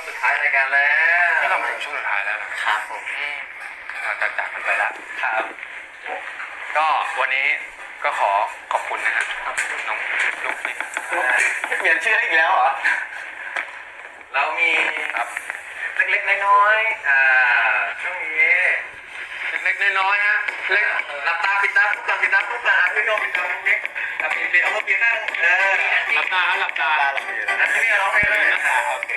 งสุดท้ายรายการแล้วที่เรามาถึงช่วงสุดท้ายแล้วครับผมเราจะจากกันไปแล้วครับก็วันนี้ก็ขอบคุณนะฮะน้องลูกนี่เปลี่ยนชื่ออีกแล้วเหรอเรามีครับเล็กๆน้อยๆช่วงนี้เล็กๆน้อยๆฮะเล็กหลับตาปิดตาทุกคนปิดตาทุกคนพี่โยปิดตาเล็กปิดเอามือปิดข้างหลับตาหลับตาพี่ร้องเพลงเลยโอเค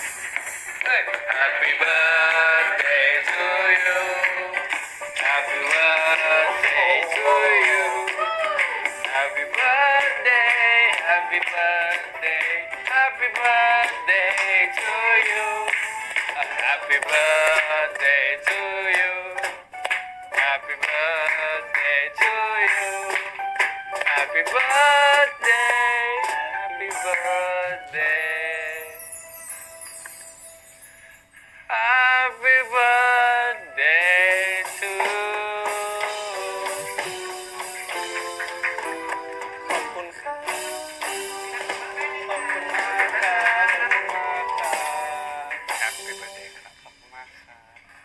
Happy birthday to you Happy birthday to you Happy birthday Happy birthday Happy birthday to you Happy birthday to you Happy birthday to you Happy birthday Happy birthday Happy birthday to ขอบคุณครับขอบคุณมากครับ Happy birthday ครับขอบคุณมากครับ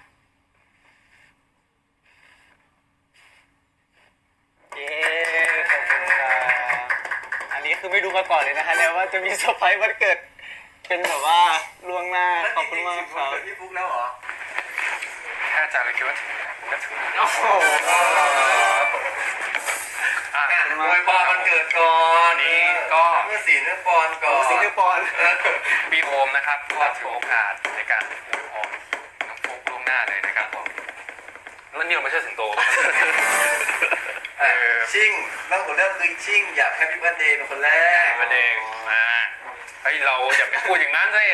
เย้ขอบคุณครับอันนี้คือไม่รู้มาก่อนเลยนะคะเนี่ยว่าจะมีเซอร์ไพรส์วันเกิดเป็นแบบว่าล่วงหน้าขอบคุณมากครับพี่ฟุ๊กแล้วเหรอแค่อาจารย์เลยคิดว่าถึงก็ถึงโอ้โหอวยพรวันเกิดก่อนนี้ก็เมื่อ4 เดือนปอนก่อน4 เดือนปอนปีโอมนะครับก็ถือโอกาสในการอวยพรน้องฟุ๊กล่วงหน้าเลยนะครับผมแล้วนี่เราไม่ใช่สิงโตชิ่งเรื่องของเรื่องคือชิ่งอยากแฮปปี้เบิร์ธเดย์เป็นคนแรกประเด็นเฮ้ยเราอย่าไปพูดอย่างนั้นสิ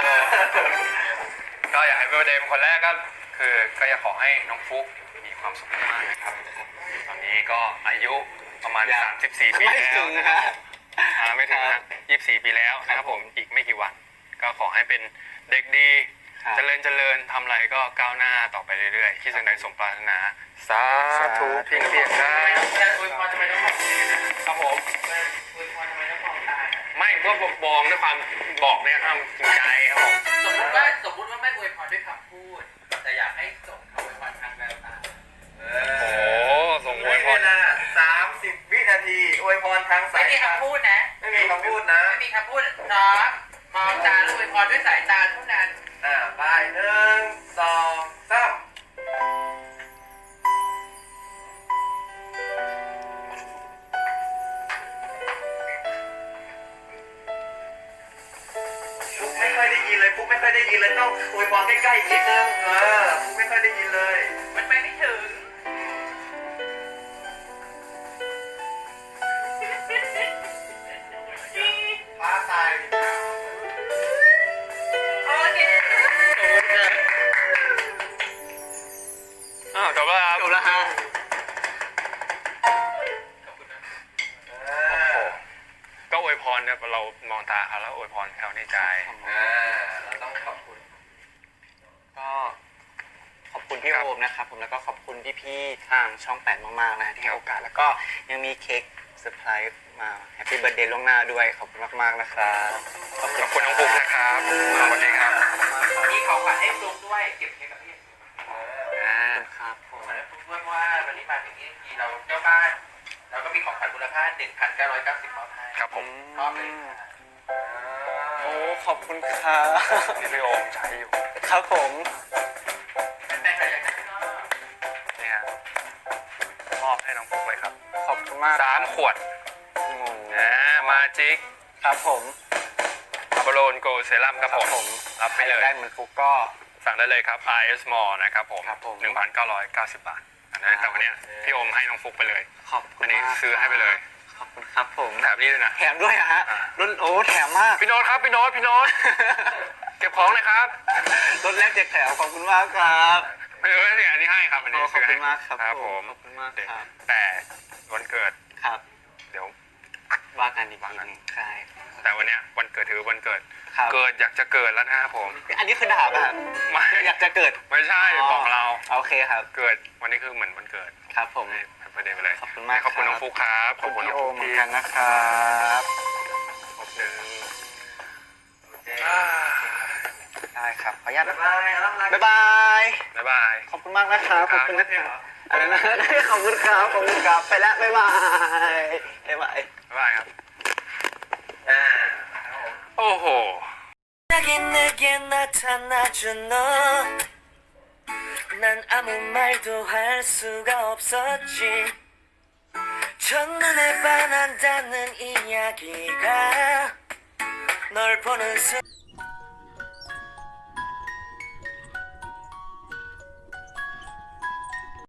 ก็อยากให้เป็นเดย์เป็นคนแรกก็คือก็อยากขอให้น้องฟุ๊กมีความสุขมากนะครับตอนนี้ก็อายุประมาณ34 ปีแล้วนะครับไม่ถึงนะ24 ปีแล้วนะครับผมอีกไม่กี่วันก็ขอให้เป็นเด็กดีเจริญทำอะไรก็ก้าวหน้าต่อไปเรื่อยๆที่สิ่งใดสมปรารถนาสาธุเพียงได้อวยพรทำไมต้องบอกครับผมอวยพรทำไมต้องบอกตาไม่ก็บอกด้วยความบอกเนี่ยครับจริงใจครับผมสมมติว่าไม่อวยพรด้วยคำพูดแต่อยากให้ส่งคำอวยพรทางแววตาโอ้ส่งอวยพร 30 วินาทีอวยพรทางสายไม่มีคำพูดนะไม่มีคำพูดนะไม่มีคำพูดน้องมองตาแล้วอวยพรด้วยสายตาเท่านั้นไป1 2 3ไม่ค่อยได้ยินเลยปุ๊บไม่ค่อยได้ยินเลยต้องอวยพรใกล้ๆอีกนิดนึงปุ๊บไม่ค่อยได้ยินเลยมันไปไม่ถึงฟ้าตายโอเคจบแล้วครับจบแล้วฮะก็อวยพรเนี่ยเรามองตาเขาแล้วอวยพรเขาในใจเราต้องขอบคุณก็ขอบคุณพี่โอมนะครับผมแล้วก็ขอบคุณพี่ๆทางช่อง8มากๆนะที่ให้โอกาสแล้วก็ยังมีเค้กเซอร์ไพรส์มาแฮปปี้เบิร์ธเดย์ล่วงหน้าด้วยขอบคุณมากๆนะครับขอบคุณน้องปุ๊กนะครับวันนี้ครับมีของขวัญให้ฟลุ๊กด้วยเก็บเค้กกับพี่ครับผมเพื่อนว่าวันนี้มาถึงที่เราเจ้าบ้านเราก็มีของขวัญมูลค่า 1,990 บาทให้ครับผมชอบเลยโอ้ขอบคุณครับที่พี่โอมใช้อยู่ครับผมแต่ใครอยากได้ก็นี่ฮะมอบให้น้องปุ๊กเลยครับขอบคุณมาก 3 ขวดมาจิกครับผมอัปโลนโกเซรั่มครับผมรับไปเลยได้เหมือนฟุกก็สั่งได้เลยครับ RS Mall นะครับผม 1,990 บาทอันนี้แต่วันนี้พี่โอมให้น้องฟุกไปเลยขอบคุณอันนี้ซื้อให้ไปเลยขอบคุณครับผมแถมนี่ด้วยนะแถมด้วยฮะรุ่นโอ้แถมมากพี่โน้ตครับพี่โน้ตเก็บของเลยครับรถแรกแจกแถมขอบคุณมากครับไม่เนี่ยอันนี้ให้ครับอันนี้ซื้อให้มากครับผมขอบคุณมากครับแต่วันเกิดครับเดี๋ยวว่ากันอีกทีนึงใช่แต่วันนี้วันเกิดถือวันเกิดเกิดอยากจะเกิดแล้วนะครับผมอันนี้คือด่าป่ะไม่อยากจะเกิดไม่ใช่บอกเราโอเคครับเกิดวันนี้คือเหมือนวันเกิดครับผมประเด็นไปเลยขอบคุณมากขอบคุณน้องฟุ๊กครับขอบคุณพี่โอเหมือนกันนะครับขอบคุณได้ได้ครับขออนุญาตบ๊านะยบายแล้วรักบ๊ายบายบ๊ายบายขอบคุณมากนะครับขอบคุณนะครับอะไรนะ ขอบคุณครับขอบคุณครับไปแล้วบ๊ายบายบ๊ายบายบ๊ายบายครับอ่าโอ้โห 갑자기 내게 나타나준 너 난 아무 말도 할 수가 없었지 첫눈에 반한다는 이야기가 널 보는 순간